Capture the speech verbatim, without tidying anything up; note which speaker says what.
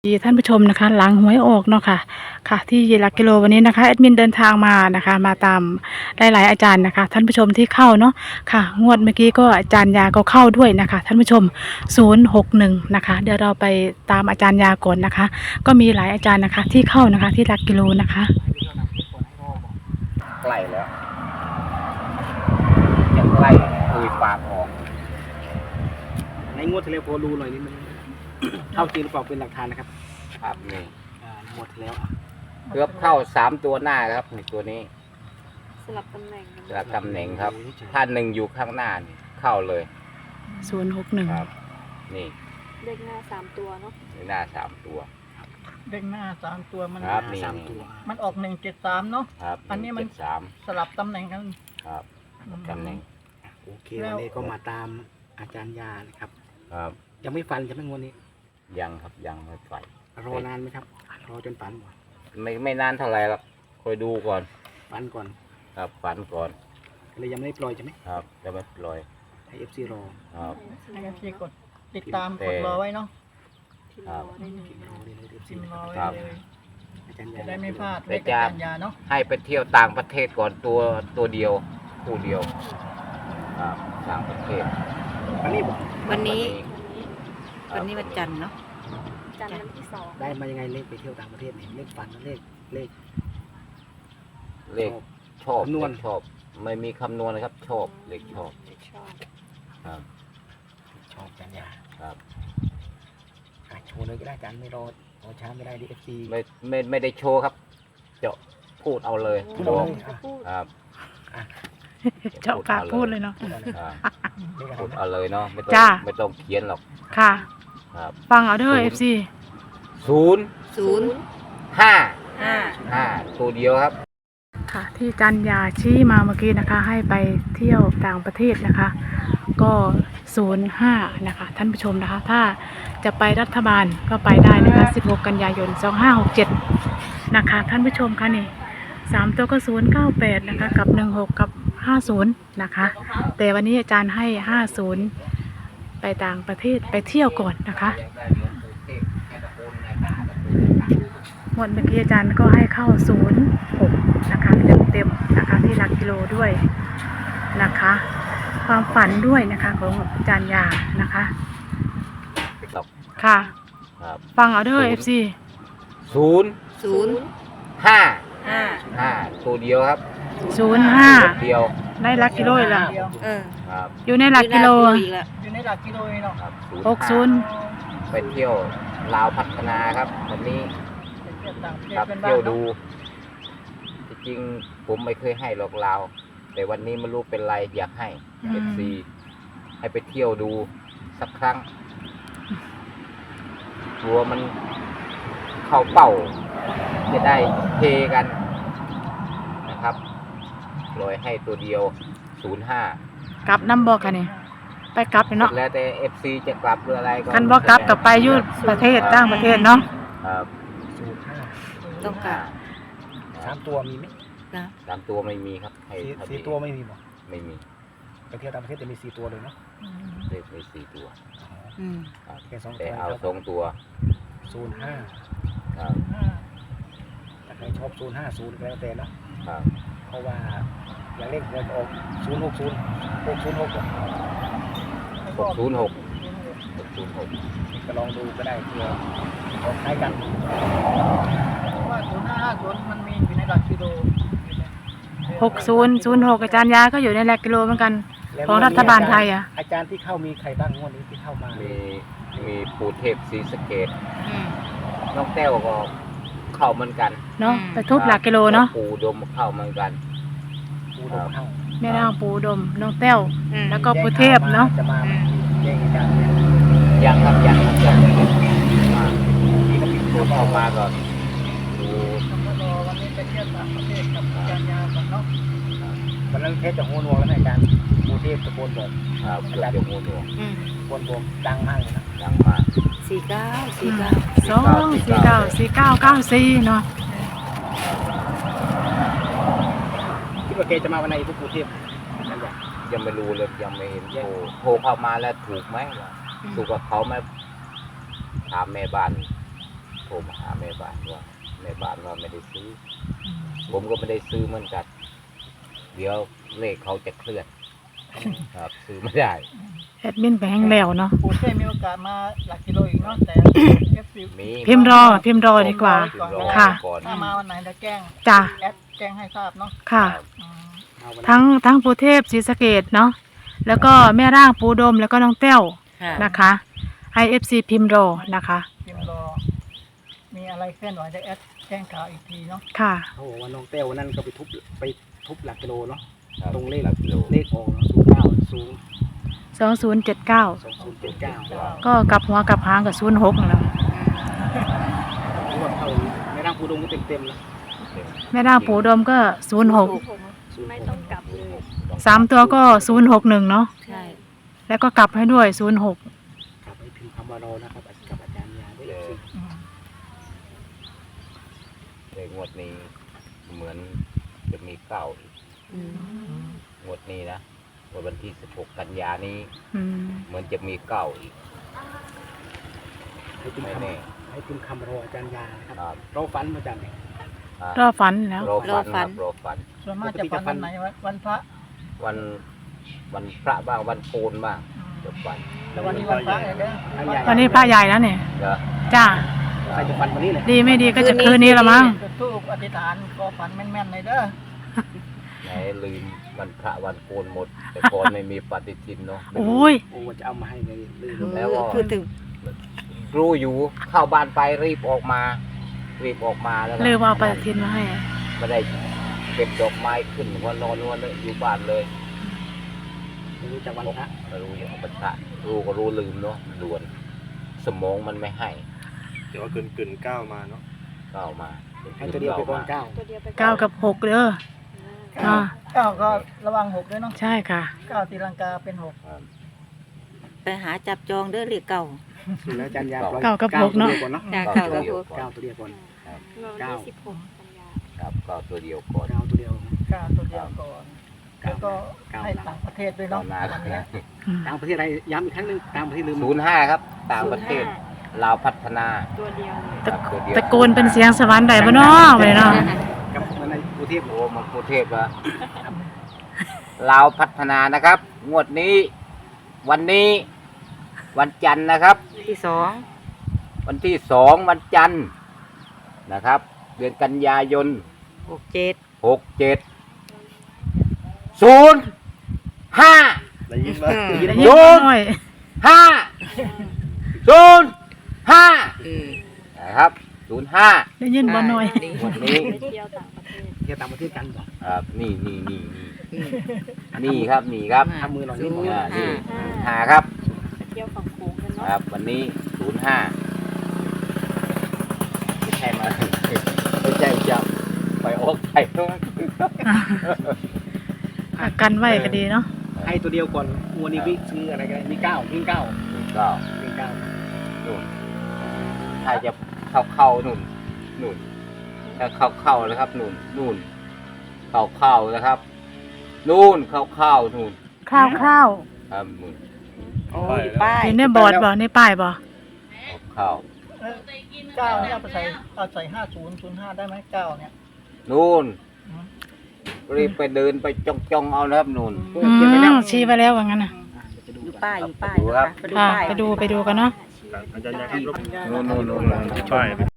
Speaker 1: ดีท่านผู้ชมนะคะหลังหวยออกเนาะค่ะค่ะที่หลักกิโลวันนี้นะคะแอดมินเดินทางมานะคะมาตามหลายๆอาจารย์นะคะท่านผู้ชมที่เข้าเนาะค่ะงวดเมื่อกี้ก็อาจารย์ยาก็เข้าด้วยนะคะท่านผู้ชมศูนย์หกหนึ่งนะคะเดี๋ยวเราไปตามอาจารย์ยาก่อนนะคะก็มีหลายอาจารย์นะคะที่เข้านะคะที่หลักกิโลนะคะ
Speaker 2: ใกล้แล้วยังใกล้คุยปากออก
Speaker 3: ในงวดที่แล้วพอรู้หน่อยนี่มัน เข้าจริงหรือเปล่าเป็นหลักฐานนะครับ
Speaker 2: ครับนี่
Speaker 3: งวดที่แล้ว
Speaker 2: เกือบเข้าสามตัวหน้าครับในตัวนี้
Speaker 4: สลับตำแหน่ง
Speaker 2: สลับตำแหน่งครับถ้าหนึ่งอยู่ข้างหน้านี่เข้าเลย
Speaker 1: ศูนย์หกหนึ่ง
Speaker 2: ครับนี่
Speaker 4: เลขหน้าสามตัวเนาะ
Speaker 2: ในหน้าสามตัว
Speaker 5: เลขหน้าสามตัวมัน
Speaker 2: ครับนี่
Speaker 5: มันออกหนึ่งเจ็ดสามเนาะ
Speaker 2: ครับ
Speaker 5: อันนี้มัน
Speaker 2: สาม
Speaker 5: สลับตำแหน่งกัน
Speaker 2: ครับตำแหน่ง
Speaker 3: โอเควันนี้ก็มาตามอาจารย์ยานะครับ
Speaker 2: ครับ
Speaker 3: ยังไม่ฟันจะไม่งวดนี้
Speaker 2: ยังครับยังไม่ไฟ
Speaker 3: รอนานไหมครับรอจนฝัน
Speaker 2: ไม่ไม่นานเท่าไหร่หรอกคอยดูก่อน
Speaker 3: ฝันก่อน
Speaker 2: ครับฝันก่อน
Speaker 3: เลยยังไม่ได้ปล่อยใช่ไหม
Speaker 2: ครับจะไม่ปล่อย
Speaker 3: ให้เอฟซีรอ
Speaker 2: ครับ
Speaker 5: ให้เอฟซีกดติดตามกดรอไว้เนาะ
Speaker 2: ครับ
Speaker 5: พิมพ์รอได้เลยจะได้ไม่พลาด
Speaker 2: อาจารย์ยาเนาะให้ไปเที่ยวต่างประเทศก่อนตัวตัวเดียวคู่เดียวครับต่างประเทศ
Speaker 3: วันนี้
Speaker 4: วันนี้วันนี้วันจันทร์เนาะจันทร์วันที่สอง
Speaker 3: ได้มายังไงเลขไปเที่ยวต่างประเทศเนี่ยเลขฝันเลขเลข
Speaker 2: เลขชอบนวลชอบไม่มีคำนวณนะครับชอบเลขชอบ
Speaker 4: ชอบ
Speaker 2: ครับ
Speaker 3: ชอบจันยา
Speaker 2: ครับ
Speaker 3: โชว์เลยก็ได้จันไม่รอรอช้าไม่ได้ดิเอฟซี
Speaker 2: ไม่ไม่ไม่ได้โชว์ครับจะพูดเอาเลย
Speaker 3: พูดเอาเลย
Speaker 2: ครับ
Speaker 1: เจาะปากพูดเลยเนาะ
Speaker 2: พูดเอาเลยเนาะไม่ต้องไม่ต้องเขียนหรอก
Speaker 1: ค่ะ
Speaker 2: ครับ
Speaker 1: ฟังเอาเด้อเอฟซี
Speaker 2: ศูนย์
Speaker 4: ศูนย์
Speaker 2: ห้า
Speaker 4: ห้า
Speaker 2: ห้าตัวเดียวครับ
Speaker 1: ค่ะที่จันยาชี้มาเมื่อกี้นะคะให้ไปเที่ยวต่างประเทศนะคะก็ศูนย์ห้านะคะท่านผู้ชมนะคะถ้าจะไปรัฐบาลก็ไปได้นะคะสิบหกกันยายนสองห้าหกเจ็ดนะคะท่านผู้ชมคะนี่สามตัวก็ศูนย์เก้าแปดนะคะกับหนึ่งหกกับห้าศูนย์นะคะแต่วันนี้อาจารย์ให้ห้าศูนย์ไปต่างประเทศไปเที่ยวก่อนนะคะหมดเมื่อกี้อาจารย์ก็ให้เข้าศูนย์หกนะคะเต็มเต็มนะคะที่หลักกิโลด้วยนะคะความฝันด้วยนะคะของอาจารย์ยานะคะค่ะฟังเอาเด้อเอฟซี
Speaker 2: ศูนย์
Speaker 4: ศูนย์
Speaker 2: ห้า
Speaker 4: ห้า
Speaker 2: ห้าตัวเดียวครับ
Speaker 1: ศูนย์ห้า
Speaker 2: เดียว
Speaker 1: ในหลักกิโลอีกแล้ว
Speaker 4: เออ
Speaker 1: อยู่ในหลักกิโล
Speaker 5: อยู่ในหลักกิโลเนาะ
Speaker 1: หกศูนย์
Speaker 2: ไปเที่ยวลาวพัฒนาครับวันนี้ครับเที่ยวดูจริงผมไม่เคยให้หรอกลาวแต่วันนี้ไม่รู้เป็นไรอยากให้เอฟซีให้ไปเที่ยวดูสักครั้งกลัวมันเข้าเป้าจะได้เทกันนะครับปล่อยให้ตัวเดียวศูนย์ห้าก
Speaker 1: ลับน้ำบอกกันนี่ไปกลับเนาะ
Speaker 2: แล้วแต่เอฟซีจะกลับหรืออะไรก็
Speaker 1: กันบอกกลับกับไปยุดประเทศต่างประเทศเนาะ
Speaker 2: ครับ
Speaker 3: ศูนย์ห้า
Speaker 4: ต้องกลับ
Speaker 3: สามตัวมีไหม
Speaker 2: สามตัวไม่มีครับให้
Speaker 3: สี่ตัวไม่มีหรอ
Speaker 2: ไม่มี
Speaker 3: ไปเที่ยวต่างประเทศจะมีสี่ตัวเลยเนาะ
Speaker 2: เลขมีสี่ตัว
Speaker 3: แค่สอง
Speaker 2: แต่เอาสองตัว
Speaker 3: ศูนย์ห้า
Speaker 2: ครับ
Speaker 3: ถ้าใครชอบศูนย์ห้าศูนย์ก็แล้วแต่เนาะ
Speaker 2: ครับ
Speaker 3: เพราะว่าอย่างเลขเราจะออกศูนย์หกศูนย์หกศูนย์หก
Speaker 2: หกศูนย์หกหกศูนย์หก
Speaker 3: ก็ลองดูก็ได้เพื่อออกคล้ายกัน
Speaker 5: ว่าศูนย์ห้าห้าศูนย์มันมีอยู่ในหลักกิโล
Speaker 1: หกศูนย์ศูนย์หกอาจารย์ยาก็อยู่ในหลักกิโลเหมือนกันของรัฐบาลไทยอ่ะ
Speaker 3: อาจารย์ที่เข้ามีใครบ้างงวดนี้ที่เข้ามา
Speaker 2: มีมีปู่เทพศรีสะเกษน้องแต้วก็เข้าเหมือนกัน
Speaker 1: เนาะไปทุบหลักกิโลเนาะ
Speaker 2: ปู่ดมเข้าเหมือนกัน
Speaker 3: ปู่ดมเข้า
Speaker 1: แม่นางปู่ดมน้องแต้วแล้วก็ปู่เทพเนาะ
Speaker 2: ยังครับยังครับยังไม่ได้มาที่ก็ปิดตัวเข้ามาก่อนดู
Speaker 5: วันนี้ไปเที่ยวต่างประเทศกับอาจารย์ยาก่อนเนาะ
Speaker 3: วันนั้นเทศจะโหนวงแล้วอาจารย์ปู่เทพตะโกนบอก
Speaker 2: ครับเกือบจะโหนวง
Speaker 3: ตะโกนบอกดังมากเลยนะ
Speaker 2: ดังมาก
Speaker 4: สี่เก้าสี่เก้า
Speaker 1: สองสี่เก้าสี่เก้าเก้าสี่เนาะ
Speaker 3: คิดว่าแกจะมาวันไหนปู่เทพ
Speaker 2: ยังไม่รู้เลยยังไม่เห็นโทรโทรเข้ามาแล้วถูกไหมถูกกับเขาไหมถามแม่บ้านรมาหาแม่บ้านว่าแม่บ้านว่าไม่ได้ซื้ออผมก็ไม่ได้ซื้อเหมือนกันเดี๋ยวเลขเขาจะเคลื่อนครับซื้อไม่ได้
Speaker 1: แอดมินไปแห้งแล้วเนาะ
Speaker 5: ปูเป้มีโอกาสมาหลักกิโลอีกเนาะแต่เอฟซี
Speaker 2: มี
Speaker 1: พิมพ์รอพิมพ์รอดีกว่า
Speaker 2: พิมพ์รอ
Speaker 1: ค่ะ
Speaker 2: ก่อน
Speaker 5: ถ้ามาวันไหนจะแจ้ง
Speaker 1: จ้ะ
Speaker 5: แอดแจ้งให้ทราบเนาะ
Speaker 1: ค่ะ
Speaker 5: อืม
Speaker 3: เอาวันนั้น
Speaker 1: ทั้งทั้งปูเทพศรีสะเกดเนาะแล้วก็แม่ร่างปูดมแล้วก็น้องแต้ว
Speaker 4: ค่ะ
Speaker 1: นะคะ ไอ เอฟ ซี พิมพ์รอนะคะ
Speaker 5: พิมพ์รอมีอะไรเคลื่อนไหวจะแอดแจ้งข่าวอีกทีเนาะ
Speaker 1: ค่ะ
Speaker 3: เขาบอกว่าน้องเต้ววันนั้นก็ไปทุบไปทุบหลักกิโลเนาะ
Speaker 2: ครับ
Speaker 3: ตรงเลข
Speaker 2: หลักกิโล
Speaker 3: เลขออกศูนย์เก้าศูนย์
Speaker 1: สองศูนย์เจ็ดเก้า
Speaker 3: สองศูนย์เจ็ดเก้า
Speaker 1: ก็กลับหัวกลับหางกับศูนย์หกนั่นแหล้ว
Speaker 3: รวดเข้าไม่ร่างปูดงก็เต็มเต็มๆแล้ว
Speaker 1: แม่ร่างปูดมก็ศูนย์หก
Speaker 3: ศูนย์
Speaker 6: ไม่
Speaker 3: ห
Speaker 6: ต้อก งกลับเลย
Speaker 1: สามตัวก็ศูนย์หกหนึ่งเนาะ
Speaker 4: ใช่
Speaker 1: แล้วก็กลับให้ด้วยศูนย์หก
Speaker 3: กลับไปพิมพ์คำว่ารอนะครับกับอาจารย์ยาด้วยสิ
Speaker 5: อืม
Speaker 2: เลขงวดนี้เหมือนจะมีเก้าอีก
Speaker 4: อืม
Speaker 2: งวดนี้นะวันที่สิบหกกันยานี้
Speaker 1: อืม
Speaker 2: เหมือนจะมีเก้าอีก
Speaker 3: ให้พิมพ์
Speaker 2: ไม่
Speaker 3: ค
Speaker 2: แน่
Speaker 3: ำให้พิมพ์คำรออาจารย์ยานะครับ
Speaker 2: ครับ
Speaker 3: รอฝันมาจากไหน
Speaker 2: อ่ะ
Speaker 1: รอฝันแล้ว
Speaker 2: รอฝันครับรอฝัน
Speaker 5: ส่วนมากจะฝันวันไหนวันวันพระ
Speaker 2: วันวันพระบ้างวันโกนบ้างจะฝัน
Speaker 5: แต่วันนี้วันพระเลยเด้อ
Speaker 1: วันนี้พระใหญ่แล้วเนี่ย
Speaker 2: เด้อ
Speaker 1: จ้า
Speaker 3: ใครจะฝันวันนี้เลย
Speaker 1: ดีไม่ดีก็จะคืนนี้ละมั้ง
Speaker 5: จุดธูปอธิษฐานขอฝันแม่นๆเลยเด้อ
Speaker 2: ไหนลืมวันพระวันโกนหมด แต่ก่อนไม่มีปฏิทินเนาะ
Speaker 1: โอ้ย
Speaker 3: โอ้จะเอามาให้เลยลืม
Speaker 2: แล้วก็
Speaker 4: คือถึง
Speaker 2: รู้อยู่เข้าบ้านไปรีบออกมา รีบออกมาแล้วก็
Speaker 1: ลืมเอาปฏิทินมาให้
Speaker 2: ไม่ได้เก็บดอกไม้ขึ้นหัวนอนวันเลยอยู่บ้านเลย
Speaker 3: ไม่รู้จักวันพระ
Speaker 2: ไม่รู้อย่างปัญหารู้ก็รู้ลืมเนาะด่วน สมองมันไม่ให้
Speaker 7: เดี๋ยวว่าเกินเกินเก้ามาเนาะ
Speaker 2: ก็เอามา
Speaker 3: ให้ตัวเดียวไปก่อนเก้า
Speaker 6: ตัวเดียวไปอน
Speaker 1: เก้ากับหกเด้ออ่า
Speaker 5: เก้าก็ระวังหกด้วยเนาะ
Speaker 1: ใช่ค่ะ
Speaker 5: เก้าตีลังกาเป็นหก
Speaker 4: ไปหาจับจองเด้อหรือเก่า
Speaker 3: แล้วอาจารย์ยาปล่อย
Speaker 1: เก้ากับหกเนอะ
Speaker 3: ตัวดียวก่อนเนาะ
Speaker 4: จ้ะ
Speaker 2: เก้า
Speaker 4: เก้า
Speaker 2: ตัว
Speaker 4: กับ
Speaker 2: เดียว
Speaker 4: หก
Speaker 2: ก่อน
Speaker 3: เก้าตัวเดียวก่อน
Speaker 6: เมื่อวันที่สิบหกกันยา
Speaker 2: ครับก็ตัวเดียวก่อน
Speaker 3: เก้าตัวเดียว
Speaker 5: เก้าตัวเดียวก่อนแล้วก็ให้ต่างประเทศด้วย
Speaker 2: ต่อ
Speaker 5: เนาะ
Speaker 2: มา
Speaker 5: วันเนี้ย
Speaker 1: อืม
Speaker 3: ต่างประเทศอะไรย้ำอีกครั้งหนึงต่างประเทศลืม
Speaker 2: ศูนย์ห้าครับ ต่างประเทศลาวพัฒนา
Speaker 6: ตัวเดียวเลย
Speaker 1: ตะ
Speaker 2: ครับตัวเดียว
Speaker 1: ตะโกนเป็นเสียงสวรรค์ได้บ่เนาะไปเนาะ
Speaker 3: กับมันในกรุงเทพ
Speaker 2: โอ้มันกรุงเทพอะลาวพัฒนานะครับ งวดนี้ วันนี้ วันจันทร์นะครับ
Speaker 4: ที่สอง
Speaker 2: วันที่สองวันจันทร์นะครับ เดือนกันยายน
Speaker 4: หกเจ็ด
Speaker 2: หกเจ็ดศูนย์ห้า
Speaker 7: ได้ยินไหม
Speaker 1: ได้ยิน
Speaker 2: โย
Speaker 1: บ่
Speaker 2: น
Speaker 1: น้อย
Speaker 2: ห้าศูนย์ห้า
Speaker 4: เออ
Speaker 2: นะครับศูนย์ห้า
Speaker 1: ได้ยินบ่น้อย
Speaker 2: วันนี้
Speaker 6: ไปเที่ยวต่างประเทศ
Speaker 3: เที่ยวต่างประเทศกันบอก
Speaker 2: ครับนี่นี่นี่นี่
Speaker 4: อืม
Speaker 2: นี่ครับนี่ครับ
Speaker 3: ทำมือหน่อยนิดห
Speaker 4: ศู
Speaker 3: น่อย
Speaker 4: นย์
Speaker 2: อ่านี่
Speaker 4: ห้า
Speaker 2: หาครับ
Speaker 6: ไปเที่ยวฝั่งโขงกัน
Speaker 2: ค
Speaker 6: เนาะ
Speaker 2: รับ วันนี้ศูนย์ห้าไม่ใช่มา ไม่ใช่จะไปออกไทย
Speaker 1: อ่ะกันไว้ก็ดีเนาะ
Speaker 3: ให้ตัวเดียวก่อนวันนี้วิซื้ออะไรกันมีเก้าวิ่งเก้า
Speaker 2: ก็
Speaker 3: วิ่งเก้า
Speaker 2: นู่นถ้าจะเข้าเข้านู่นนู่นถ้าเข้าเข้าแล้วครับนู่นนู่นเข้าเข้านะครับ นู่นเข้าเข้านู่น
Speaker 1: คร่าว
Speaker 2: ครับนู่น
Speaker 4: โอ้ยป้า
Speaker 1: ๆ
Speaker 4: ย
Speaker 1: อยู่ในบอร์ดบ่ในป้ายบ่
Speaker 2: เข้าเข้า
Speaker 5: เออเก้าเนี่ยเอาไปใส่เอาใส่ห้าศูนย์ศูนย์ห้าได้ไหมเก้าเนี่ย
Speaker 2: นู่น
Speaker 5: อืม
Speaker 2: รีบไปเดินไปจ้องจ้องๆเอานะครับนู่น
Speaker 1: อืมชี้ไปแล้วว่างั้นน่ะ
Speaker 4: อยู่ป้ายอยู่ป้าย
Speaker 2: ดูครับ
Speaker 4: ไปดู
Speaker 1: ค่ะ
Speaker 4: ป้าย
Speaker 1: ไปดูไปดูกันเนาะ
Speaker 7: อาจารย์ยาครับ
Speaker 2: นู่นนู่นนู่น
Speaker 7: ป้าย